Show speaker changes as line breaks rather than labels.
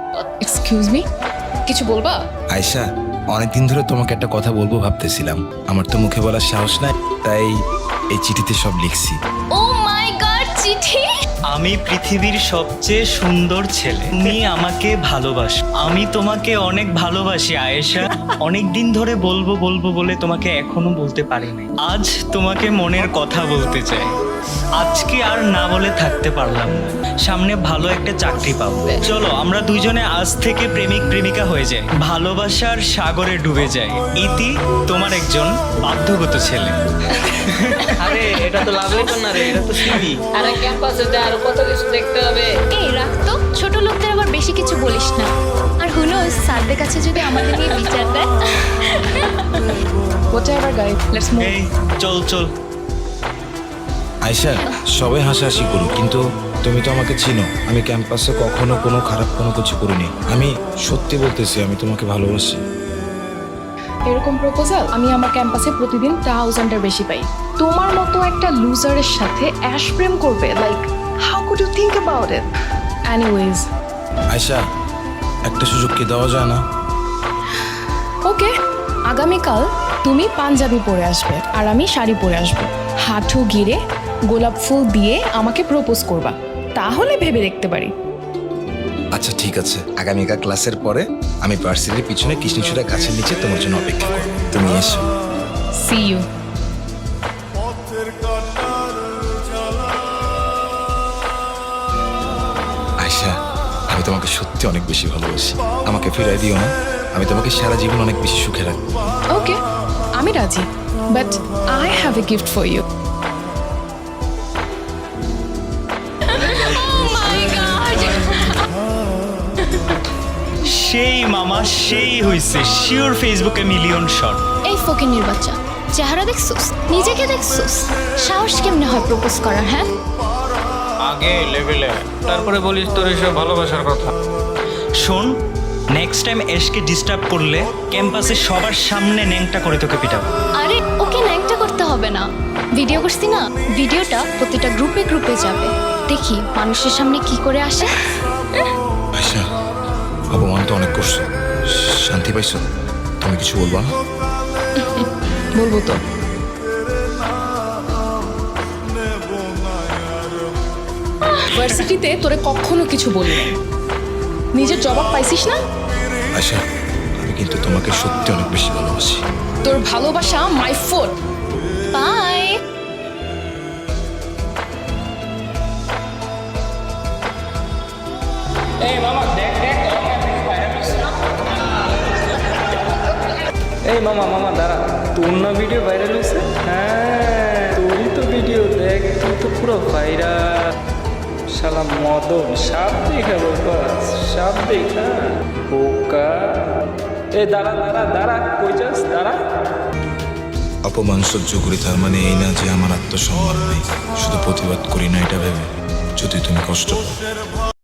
Excuse me, কিছু বলবা?
আয়শা, অনেকদিন ধরে তোমাকে একটা কথা বলবো ভাবতেছিলাম। আমার তো মুখে বলার সাহস নাই, তাই এই চিঠিতে সব লিখছি।
ও মাই গড, চিঠি!
আমি পৃথিবীর সবচেয়ে সুন্দর ছেলে, তুমি আমাকে ভালোবাসো, আমি তোমাকে অনেক ভালোবাসি আয়েশা। অনেক দিন ধরে বলবো বলবো বলে তোমাকে এখনো বলতে পারিনি। আজ তোমাকে মনের কথা বলতে চাই। আজকে আর না বলে থাকতে পারলাম না। সামনে ভালো একটা চাকরি পাবো, চলো আমরা দুইজনে আজ থেকে প্রেমিক প্রেমিকা হয়ে যাই, ভালোবাসার সাগরে ডুবে যাই। ইতি, তোমার একজন বাধ্যগত ছেলে।
আরে এটা তো লাভ লেটার না রে, এটা তো সিভি।
আরে ক্যাম্পাসে যা আরো কত কিছু দেখতে হবে।
এই রাখ তো, ছোট লোকদের আবার বেশি কিছু বলিস না। আর হুনো স্যারদের কাছে যদি আমাদের নিয়ে বিচার দেয়।
Whatever guys, let's move.
এই চল চল।
আয়শা, সবাই হাসাহাসি করুক, কিন্তু তুমি তো আমাকে চিনো। আমি ক্যাম্পাসে কখনো কোনো খারাপ কোনো কিছু করিনি। আমি সত্যি বলতেছি, আমি তোমাকে ভালোবাসি।
এরকম প্রপোজাল আমি আমার ক্যাম্পাসে প্রতিদিন 1000-এর বেশি পাই। তোমার মতো একটা লুজারের সাথে অ্যাশ প্রেম করবে? Like, how could you think about it? Anyways,
Ayesha, একটা সুযোগ কি দেওয়া যায় না?
ওকে, আগামীকাল তুমি পাঞ্জাবি পরে আসবে আর আমি শাড়ি পরে আসবো। হাঁটু গিরে গোলাপ ফুল দিয়ে আমাকে প্রপোজ করবা, তাহলে ভেবে দেখতে পারি।
আচ্ছা ঠিক আছে, আগামীকাল ক্লাসের পরে আমি ভার্সিটির পিছনে কৃষ্ণচূড়া গাছের নিচে তোমার জন্য অপেক্ষা করব। তুমি এসো।
C you.
আয়শা, আমি তোমাকে সত্যি অনেক বেশি ভালোবাসি। আমাকে ফিরাই দিও না, আমি তোমাকে সারা জীবন অনেক বেশি সুখে রাখবো।
ওকে, আমি রাজি, but I have a gift for you.
সেই মামা, সেই হইছে, শিওর ফেসবুকে মিলিয়ন শট।
এই ফকিন্নির বাচ্চা, চেহারা দেখছোস, নিজেকে দেখছোস, সাহস কেমনে হয় প্রপোজ করার? হ্যাঁ,
আগে লেভেলে, তারপরে বলিস তোর এসব ভালোবাসার কথা।
শোন, নেক্সট টাইম এসকে ডিস্টার্ব করলে ক্যাম্পাসে সবার সামনে ন্যাংটা করে তোকে পিটাবো।
আরে ওকে ন্যাংটা করতে হবে না। ভিডিও করছি না, ভিডিওটা প্রতিটা গ্রুপে গ্রুপে যাবে, দেখি মানুষের সামনে কি করে আসে।
আয়শা, অপমান তো অনেক করছো, শান্তি পাইছো? তুমি কিছু বলবা না?
বলবো তো। ভার্সিটিতে তোরে কখনো কিছু বলিনি, নিজের জবাব পাইছিস না?
আয়শা, আমি কিন্তু তোমাকে সত্যি অনেক বেশি ভালোবাসি।
তোর ভালোবাসা মাই ফোর্ট।
বাই।
এই মামা দেখ দেখ, এই মামা মামা দাঁড়া, তোর না ভিডিও ভাইরাল হয়েছে? হ্যাঁ তোরই তো ভিডিও, দেখ তুই তো পুরো ভাইরাল। শালা মদন সাপ দেখা বাবা, সাপ দেখা বোকা। এ দাঁড়া দাঁড়া দাঁড়া, কই যাস, দাঁড়া।
অপমান সহ্য করি তার মানে এই না যে আমার আত্মসম্মান নেই। শুধু প্রতিবাদ করি না এটা ভেবে যদি তুমি কষ্ট পাও।